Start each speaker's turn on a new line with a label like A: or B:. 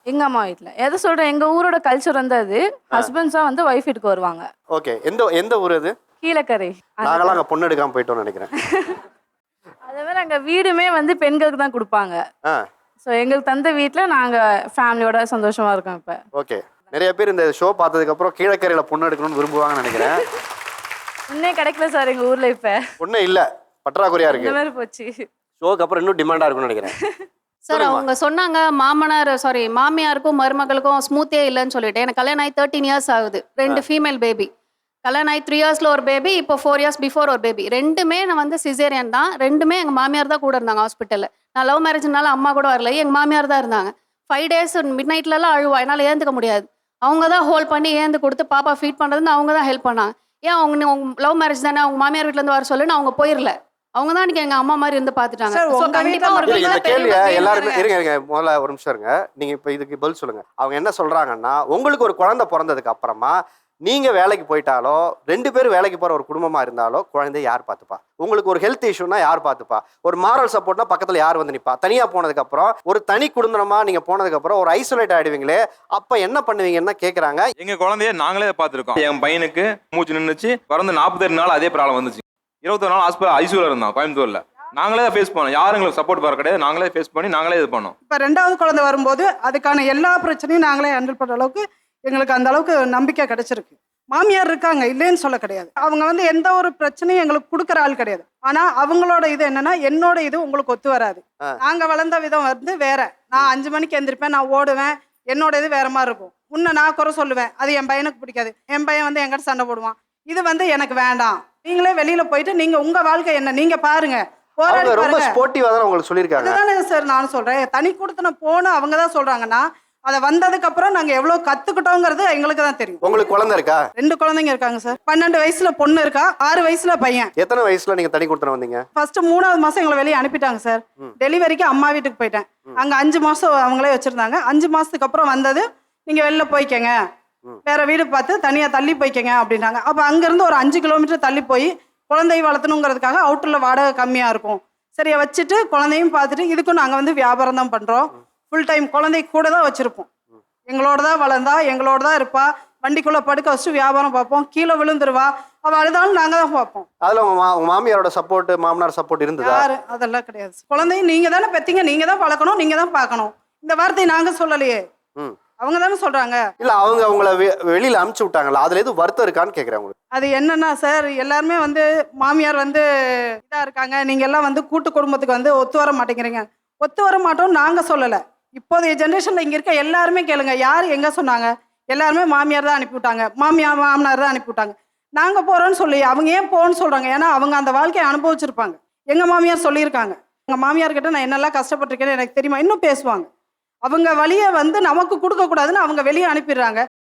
A: எங்க அம்மா வீட்ல. எத சொல்றேன், எங்க ஊரோட கல்ச்சர் வந்து அது. ஹஸ்பண்ட்ஸா வந்து வைஃப் வீட்டுக்கு வருவாங்க.
B: ஓகே. எந்த எந்த ஊர் அது?
A: கீழக்கரை.
B: நாங்களாம் அங்கே பொண்ணு எடுக்காமல் போயிட்டோம்னு நினைக்கிறேன்.
A: அதே மாதிரி அங்க வீடுமே வந்து பெண்களுக்கு தான் கொடுப்பாங்க.
B: ஆ
A: ஸோ எங்களுக்கு தந்த வீட்ல நாங்க ஃபேமிலியோட சந்தோஷமா இருக்கோம் இப்ப.
B: ஓகே. நிறைய பேர் இந்த ஷோ பார்த்ததுக்கப்புறம் கீழக்கரையில் பொண்ணு எடுக்கணும்னு விரும்புவாங்கன்னு நினைக்கிறேன்.
A: இன்னே கிடைக்கல சார் எங்க ஊர்ல இப்ப.
B: பொண்ணே இல்லை, பற்றாக்குறையாக
A: இந்த
B: இருக்கு.
A: மாதிரி போச்சு.
B: ஷோக்கு அப்புறம் இன்னும் டிமாண்டாக இருக்கும்னு நினைக்கிறேன்.
C: சார் அவங்க சொன்னாங்க மாமியாருக்கும் மருமகளுக்கும் ஸ்மூத்தே இல்லைன்னு சொல்லிட்டு. எனக்கு கல்யாணம் ஆகி 13 இயர்ஸ் ஆகுது. 2 ஃபீமேல் பேபி. கல்யாணம் ஆகி 3 இயர்ஸில் ஒரு பேபி, இப்போ 4 இயர்ஸ் பிஃபோர் ஒரு பேபி. ரெண்டுமே நான் வந்து சிசேரியன் தான். ரெண்டுமே எங்கள் மாமியார் தான் கூட இருந்தாங்க ஹாஸ்பிட்டலில். நான் லவ் மேரேஜ்னால அம்மா கூட வரல, எங்கள் மாமியார் தான் இருந்தாங்க. 5 days மிட் நைட்லலாம் அழுவா, என்னால் ஏந்துக்க முடியாது. அவங்க தான் ஹோல்ட் பண்ணி ஏந்து கொடுத்து பாப்பா ஃபீட் பண்ணுறதுன்னு அவங்க தான் ஹெல்ப் பண்ணாங்க. ஏன் அவங்க லவ் மேரேஜ் தானே, அவங்க மாமியார் வீட்டிலேருந்து வர சொல்லுன்னு அவங்க போயிடல. அவங்க தான் எனக்கு எங்க அம்மா மாதிரி இருந்து பாத்துட்டாங்க. So, கண்டிப்பா ஒரு
B: இந்த கேள்வியை எல்லாருமே இருங்க முதல்ல ஒரு நிமிஷம் இருங்க. நீங்க இப்ப இதுக்கு பதில் சொல்லுங்க. அவங்க என்ன சொல்றாங்கன்னா, உங்களுக்கு ஒரு குழந்தை பிறந்ததுக்கு அப்புறமா நீங்க வேலைக்கு போயிட்டாலோ 2 பேரும் வேலைக்கு போற ஒரு குடும்பமா இருந்தாலோ குழந்தைய யார் பார்த்துப்பா? உங்களுக்கு ஒரு ஹெல்த் இஷ்யூனா யார் பார்த்துப்பா? ஒரு மாரல் சப்போர்ட்னா பக்கத்துல யார் வந்து நிப்பா? தனியா போனதுக்கு அப்புறம் ஒரு தனி குடும்பமா நீங்க போனதுக்கு அப்புறம் ஒரு ஐசோலேட் ஆயிடுவீங்களே, அப்ப என்ன பண்ணுவீங்கன்னா கேக்குறாங்க.
D: எங்க குழந்தைய நாங்களே பார்த்துருக்கோம். என் பையனுக்கு மூச்சு நின்றுச்சு, பிறந்து 42 நாள் அதே ப்ராப்ளம் வந்துச்சு. 21 நாள் ஹாஸ்பிட்டல் ஐசியூல இருந்தான் கோயம்புத்தூர்ல. நாங்களே ஃபேஸ் பண்ணோம். யாரும் எங்களுக்கு சப்போர்ட் வர கிடையாது. நாங்களே ஃபேஸ் பண்ணி நாங்களே இது பண்ணோம்.
E: இப்போ 2வது குழந்தை வரும்போது அதுக்கான எல்லா பிரச்சனையும் நாங்களே ஹேண்டில் பண்ணுற அளவுக்கு எங்களுக்கு அந்த அளவுக்கு நம்பிக்கை கிடைச்சிருக்கு. மாமியார் இருக்காங்க, இல்லைன்னு சொல்ல கிடையாது. அவங்க வந்து எந்த ஒரு பிரச்சனையும் எங்களுக்கு கொடுக்குற ஆள் கிடையாது. ஆனா அவங்களோட இது என்னன்னா, என்னோட இது உங்களுக்கு ஒத்து வராது. நாங்க வளர்ந்த விதம் வந்து வேற. நான் 5 மணிக்கு எந்திரிப்பேன், நான் ஓடுவேன். என்னோட இது வேற மாதிரி இருக்கும். முன்ன நான் குறை சொல்லுவேன், அது என் பையனுக்கு பிடிக்காது. என் பையன் வந்து என்கிட்ட சண்டை போடுவான். இது வந்து எனக்கு வேண்டாம், நீங்களே வெளியில போயிட்டு நீங்க உங்க வாழ்க்கை என்ன நீங்க பாருங்க, போராடி
B: ரொம்ப
E: பாருங்க.
B: ஸ்போர்ட்டிவா தான் உங்களுக்கு சொல்லியிருக்காங்க.
E: அதுதானே சார் நானும் சொல்றேன். தனி கொடுத்தன போன அவங்க தான் சொல்றாங்கன்னா, அதை வந்ததுக்கு அப்புறம் நாங்க எவ்வளவு கத்துக்கிட்டோங்கிறது எங்களுக்கு தான் தெரியும்.
B: உங்களுக்கு குழந்தை இருக்கா?
E: 2 குழந்தைங்க இருக்காங்க சார். 12 வயசுல பொண்ணு இருக்கா, 6 வயசுல பையன்.
B: எத்தனை வயசுல நீங்க தனி கொடுத்தன வந்தீங்க?
E: ஃபர்ஸ்ட் 3வது மாசம் எங்களை வெளியே அனுப்பிட்டாங்க சார். டெலிவரிக்கு அம்மா வீட்டுக்கு போயிட்டேன். அங்க 5 மாசம் அவங்களே வச்சிருந்தாங்க. 5 மாசத்துக்கு அப்புறம் வந்தது, நீங்க வெளில போய்க்கங்க, வேற வீடு பார்த்து தனியா தள்ளி போய்க்கங்க அப்படின்னாங்க. அப்ப அங்க இருந்து ஒரு 5 கிலோமீட்டர் தள்ளி போய் குழந்தையை வளர்த்தணுங்கிறதுக்காக அவுட்டர்ல வாடகை கம்மியா இருக்கும், சரியா வச்சுட்டு குழந்தையும் பார்த்துட்டு, இதுக்கும் நாங்க வந்து வியாபாரம் தான் பண்றோம். ஃபுல் டைம் குழந்தை கூட தான் வச்சிருப்போம். எங்களோட தான் வளர்ந்தா, எங்களோட தான் இருப்பா. வண்டிக்குள்ள படுக்க வச்சுட்டு வியாபாரம் பார்ப்போம். கீழே விழுந்துருவா, அவ அழுதாலும் நாங்க தான் பார்ப்போம்.
B: அதுல உங்க மாமியாரோட சப்போர்ட், மாமனார் சப்போர்ட் இருந்ததா?
E: யாரு அதெல்லாம் கிடையாது. குழந்தையும் நீங்க தானே பெத்தீங்க, நீங்க தான் வளர்க்கணும், நீங்க தான் பார்க்கணும். இந்த வார்த்தையை நாங்க சொல்லலையே, அவங்க தானே சொல்றாங்க.
B: இல்ல அவங்க உங்களை வெளியில அனுப்பிச்சு விட்டாங்களா? அதுல எதுவும் வருத்தம் இருக்கான்னு கேக்குறேன் உங்களுக்கு.
E: அது என்னன்னா சார், எல்லாருமே வந்து மாமியார் வந்து இதா இருக்காங்க, நீங்க எல்லாம் வந்து கூட்டு குடும்பத்துக்கு வந்து ஒத்து வர மாட்டேங்கிறீங்க. ஒத்து வர மாட்டோம் நாங்க சொல்லல. இப்போதைய ஜென்ரேஷன்ல இங்க இருக்க எல்லாருமே கேளுங்க, யார் எங்க சொன்னாங்க? எல்லாருமே மாமியார் தான் அனுப்பிவிட்டாங்க, மாமனார் தான் அனுப்பிவிட்டாங்க. நாங்க போறோம்னு சொல்லி அவங்க ஏன் போன்னு சொல்றாங்க? ஏன்னா அவங்க அந்த வாழ்க்கையை அனுபவிச்சிருப்பாங்க. எங்க மாமியார் சொல்லியிருக்காங்க, எங்க மாமியார் கிட்ட நான் என்னெல்லாம் கஷ்டப்பட்டிருக்கேன்னு எனக்கு தெரியுமா, இன்னும் பேசுவாங்க. அவங்க வழியை வந்து நமக்கு கொடுக்க கூடாதுன்னு அவங்க வெளியே அனுப்பிடுறாங்க.